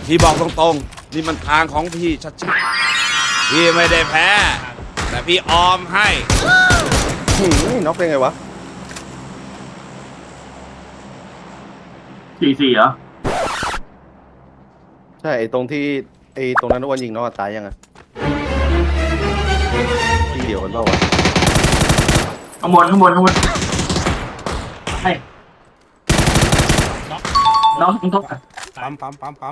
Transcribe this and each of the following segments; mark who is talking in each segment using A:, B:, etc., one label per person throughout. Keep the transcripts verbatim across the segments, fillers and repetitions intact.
A: พี่บอกตรงๆนี่มันทางของพี่ชัดๆพี่ไม่ได้แพ้แต่พี่ออมให้
B: หืมน็อกได้ไงวะ
C: สี่สี่เหรอ
B: ใช่ไอ้ตรงที่ไอ้ตรงนั้นอ้วนยิงน็อกตายยังไงที่เดียวกันเปล่าวะ
C: ข้างบนข้างบนข้างบนให้น้องน้องต้อง
D: ปั๊มปั๊มปั๊มปั๊ม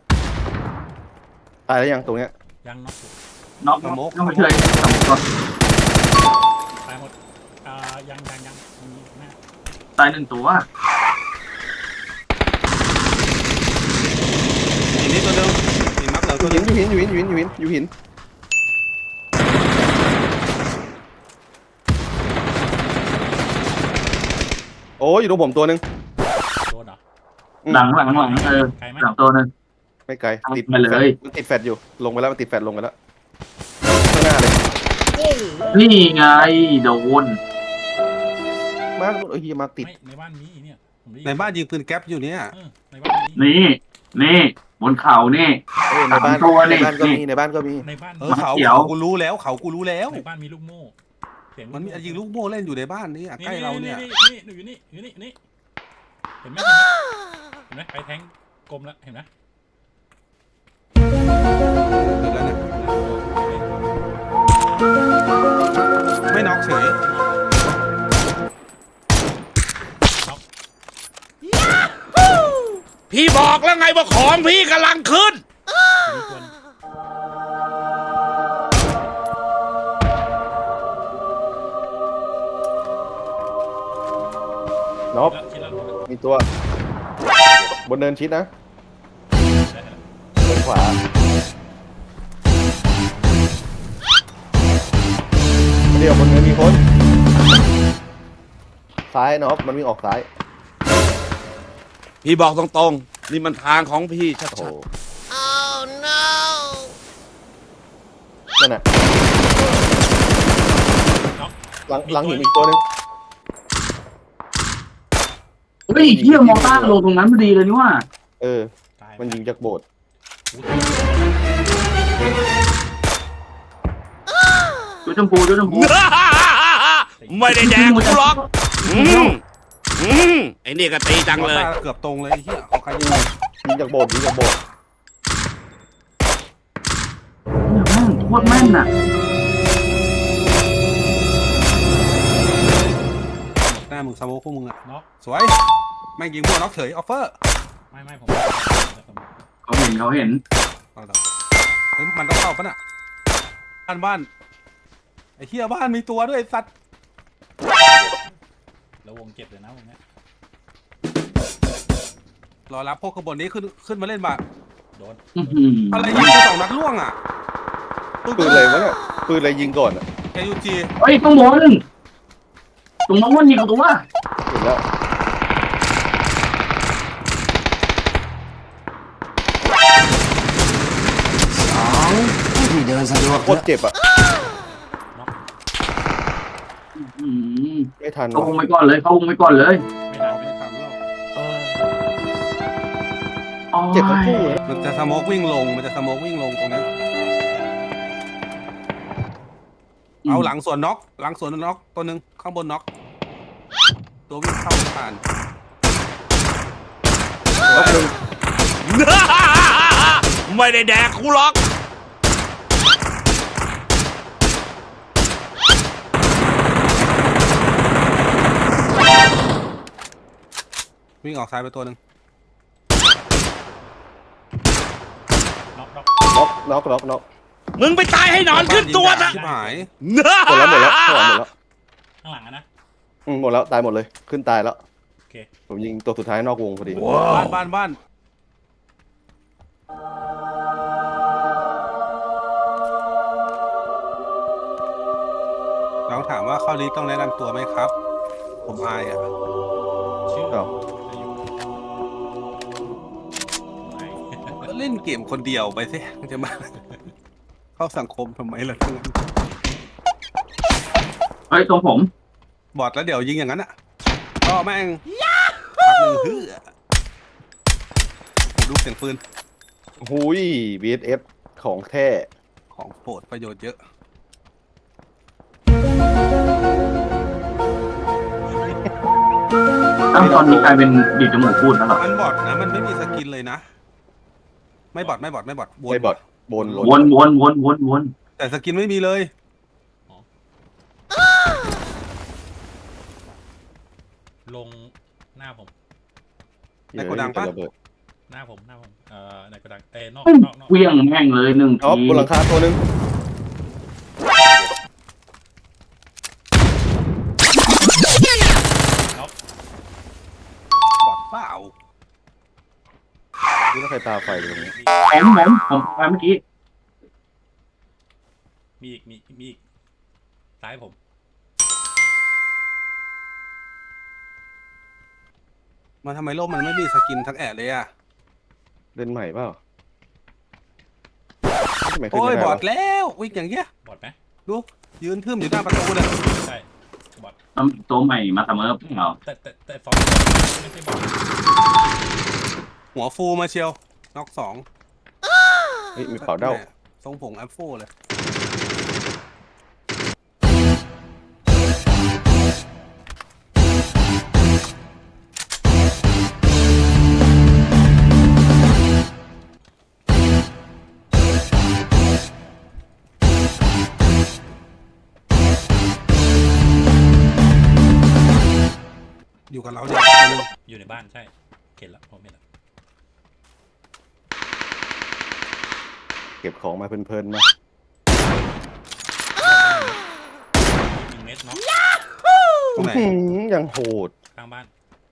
B: ตายแล้วยังตรงเนี้ย
E: ยังน็อกอยู่
C: น้องต้องไปช่วยสองตัว
E: ตายหมดอ่ายังยังยังมีหน้า
C: ตายหนึ่งตัว
D: อีกนิดตัวเดิมอีกมักเหลือ
B: อ
D: ตัว
B: ยู่
D: เดิ
B: หิน
D: ม
B: อยู่หินอยู่หินอยู่หินอยู่หินอยู่หินโอ้ยอยู่ตรงผมตัวหนึ่ง
E: โดนเหรอ
C: หลังหลังหลังเออ
E: ไกลไหม
C: หลังตัวนึง
B: ไม่ไกลติด
C: มาเลย
B: มันติดแฟดอยู่ลงไปแล้วมันติดแฟดลงไปแล้วข้างหน้าเลย
C: นี่ไงโดน
B: มาเอ้ยมาติด
E: ไม่ในบ้านนี้เนี่ยผมได้ยิ
D: ในบ้านยิงปืนแก๊ปอยู่เนี่ย
E: เออในบ้านนี้
C: นี่นี่บนเขานี่
B: เอ้ยในบ้าน
C: สามตัวนี่
B: ในบ้านก็มีในบ้านก็มี
E: ในบ้าน
D: เออเขา
C: เขียว
D: เขากูรู้แล้วเขากูรู้แล้ว
E: ในบ้านมีลูกโม่เสียง
D: มันมียิงลูกโม่เล่นอยู่ในบ้านนี่ใกล้เราเนี่ย
E: นี่นี่อยู่นี่อยู่นี่นี่เห็นไหมเห็นไหมเห็นไหมไปแทงกลมแล้วเห็นไหม
D: เดี๋ยวแล้วเนี่ยไม่น็อกเฉย
A: พี่บอกแล้วไงว่าของพี่กำลังขึ้น
E: มีตัวนึง
B: น็อป
E: แล้วคิดแล้ว
B: มีตัว บนเนินชิดนะบนขวาเดี๋ยวบนเนินมีคนซ้ายน็อปมันวิ่งออกซ้าย
A: พี่บอกตรงๆนี่มันทางของพี่ชั
B: โอ้โห
A: ด
B: นั่นน่ะหลังหลังหินอีกตัวหนึง
C: เฮ้ยเที่ยมองต้าลงตรงนั้นพอดีเลยนี่ว่า
B: เออ
E: ตาย
B: มันยิงจากโบสถ์
C: จุดชมพูจุดชมพู
A: ๆ ไม่ได้แดกกูหรอกอืมอืมไอ้นี่ก็ตีจังเลย
D: เกือบตรงเลยไอ้เหี้ยของใครยิง
B: ยิงจากโบสถ์ยิงจากโบสถ์
C: เนี่ยแม่งโคตรแม่นน่ะ
D: หน้ามึงสโมกพวกมึงอะ
E: น็อก
D: สวยแม่งยิงพวกน็อกเฉยออฟเฟอร์
E: ไม่ไม่ผม
C: เขาเห็นเขาเห็น
D: เอาต่อเฮ้ยมันต้องเข้าปะน่ะบ้านบ้านไอ้เหี้ยบ้านมีตัวด้วยไอ้สัตว์
E: แล้ววงเจ็บเลยนะวงนี้
D: รอรับพวกขบวนนี้ขึ้นขึ้นมาเล่นบ่า
E: โดน
C: อื้อหือ
D: อะไรยิงไปสองนัดล่วงอ่ะ
B: ปืนอะไรวะเนี่ยปืนอะไรยิงก่อนอ่ะ
D: แกยูจี
C: เฮ้ยข้างบนตรงน้องมันยิงกับตัว
B: เห็นแล้วโคตรเจ็บอ่ะ
C: อืม
B: ไม่ทัน
C: เขา
B: วะ
C: วงไปก่อนเลยเขาวงไปก่อนเลย
E: ไม่
D: เรา
E: ได้
D: ไม่ได้ทำแล้ว
C: อ๋อ
B: เจ็บทั้งคู่เลย
D: มันจะสโมกวิ่งลงมันจะสโมกวิ่งลงตรงนี้เอาหลังสวนน็อกหลังสวนน็อกตัวหนึ่งข้างบนน็อกตัววิ่งเข้าผ่าน
B: รอบหนึ่ง
A: ไม่ได้แดกกูหรอก
D: วิ่งออกซ้ายไปตัวหนึ่ง
E: น็อกน็อก
B: น็อกน็อกน็อกน็อก
A: มึงไปตายให้นอนขึ้นตัวซะ
D: ชิบหาย
B: หมดแล้วหมดแล้วหมดแล้ว
E: ข้างหลังอะนะ
B: อืมหมดแล้วตายหมดเลยขึ้นตายแล้ว
E: โอเค
B: ผมยิงตัวสุดท้ายนอกวงพอดี
D: บ้านบ้านบ้านน้องถามว่าเข้าลิสต์ต้องแนะนำตัวไหมครับ ผมอายอ่ะ
E: ชื่อ
B: อ้าว
E: จะอยู่ไหน
D: ก็เล่นเกมคนเดียวไปสิจะมา เข้าสังคมทำไมล่ะทั้งนั้น
C: เฮ้ยตรงผม
D: บอดแล้วเดี๋ยวยิงอย่างนั้นอ่ะก็แม่งพักหนึ่งฮือผมดูเสียงปืน
B: หุย วี เอส เอส ของแท้
D: ของโปรดประโยชน์เยอะ
C: อ้าวตอนนี้กลายเป็นดีดจมูกพูดแล้วเหรอ
D: มันบอดนะมันไม่มีสกินเลยนะ ไม่บอดไม่บอดไม่บอดวน
B: ไม่บอดบน
C: วนวนวนวนวน
D: แต่สกินไม่มีเลย
E: ลงหน้าผม
B: เดี๋ยว
D: ในโกดังปะ
B: ระเบิด
E: หน้าผมหน้าผมเอ่อในกระดังเอ้ยนอก
C: เฮ้ย
E: นอกนอก
C: เวียงแม่งเลยหนึ่ง
B: อ๋อ
C: ที
B: บนหลังคาตัวหนึง
D: บอดเปล่า
B: นี่ถ้าใครตาไฟอยู่ตรงนี้
C: ผมผมผมไปเมื่อกี้
E: มีอีกมีมีอีกซ้ายผม
D: มันทำไมโลกมันไม่มีสกินทั้งแอะเลยอ่ะ
B: เล่นใหม่เปล่าทำไมขึ้น
D: โอ้ย
B: ไม่ได้
D: บอ
B: วะ
D: ดแล้ววิ่งอย่างเงี้ย
E: บอดไหม
D: ดูยืนทึมอยู่หน้าประตูเลย
E: ใช่บอด
C: น้ำตัวใหม่มาเสมอเปล่า
E: แต่แต่แต่ฟองไม่ใช่บอด
D: หัวฟูมาเชียวน็อกสอง
B: เฮ้ยมีเผาเด้า
D: แม่ทรงผงแอปโฟเลย อยู่กับเราเนี่ยตัวหนึง
E: อยู่ในบ้านใช่เข็นแล้วผมเห็นแล้ว
B: เก็บของมาเพลินๆมา
E: มีเม็ดเนาะ
D: ตรงไหน
B: อื้อหือยังโหด
E: ข้างบ้าน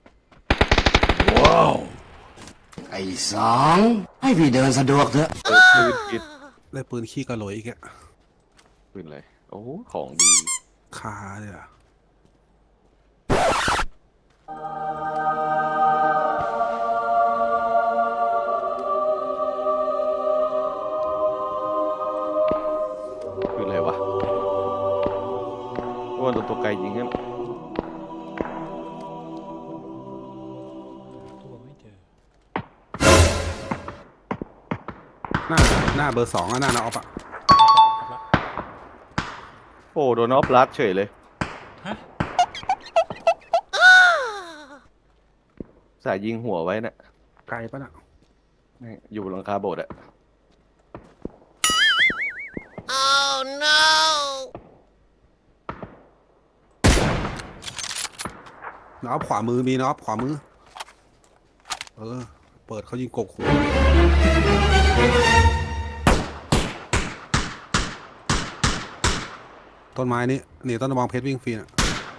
F: ไอ้สองให้พี่เดินสะดวกเถอะ
B: เปิดปืนคิด
D: ได้ปืนขี้กระโหลกอีกอะ
B: ปืนอะไรโอ้โหของดี
D: คาเลยอะ
B: ปืนอะไรวะว่าโดนตัวไกลยิงกัน
E: ตัวไม่เจอ
D: หน้าหน้าเบอร์สองอะหน้านาออฟอะ
B: โอ้โดนออฟลัดเฉยเลย
E: ฮะ
B: สายยิงหัวไว้น่ะ
D: ไกลปะน่ะ
B: นี่อยู่บนหลังคาโบสถ์อะ
D: นาออฟขวามือมีนาออฟขวามือ เออ เปิดเขายิงกกหูต้นไม้นี้นี่ต้นระวังเพชรวิ่งฟรีน่ะ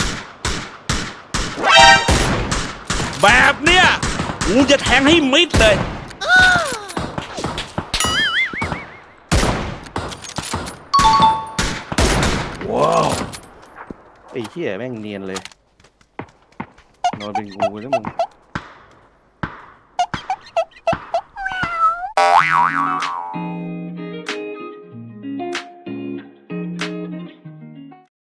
A: แบบเนี้ยกูจะแทงให้มิดเลย
B: ไอ้เหี้ยแม่งเนียนเลย นอนเป็นงูแล้วมึง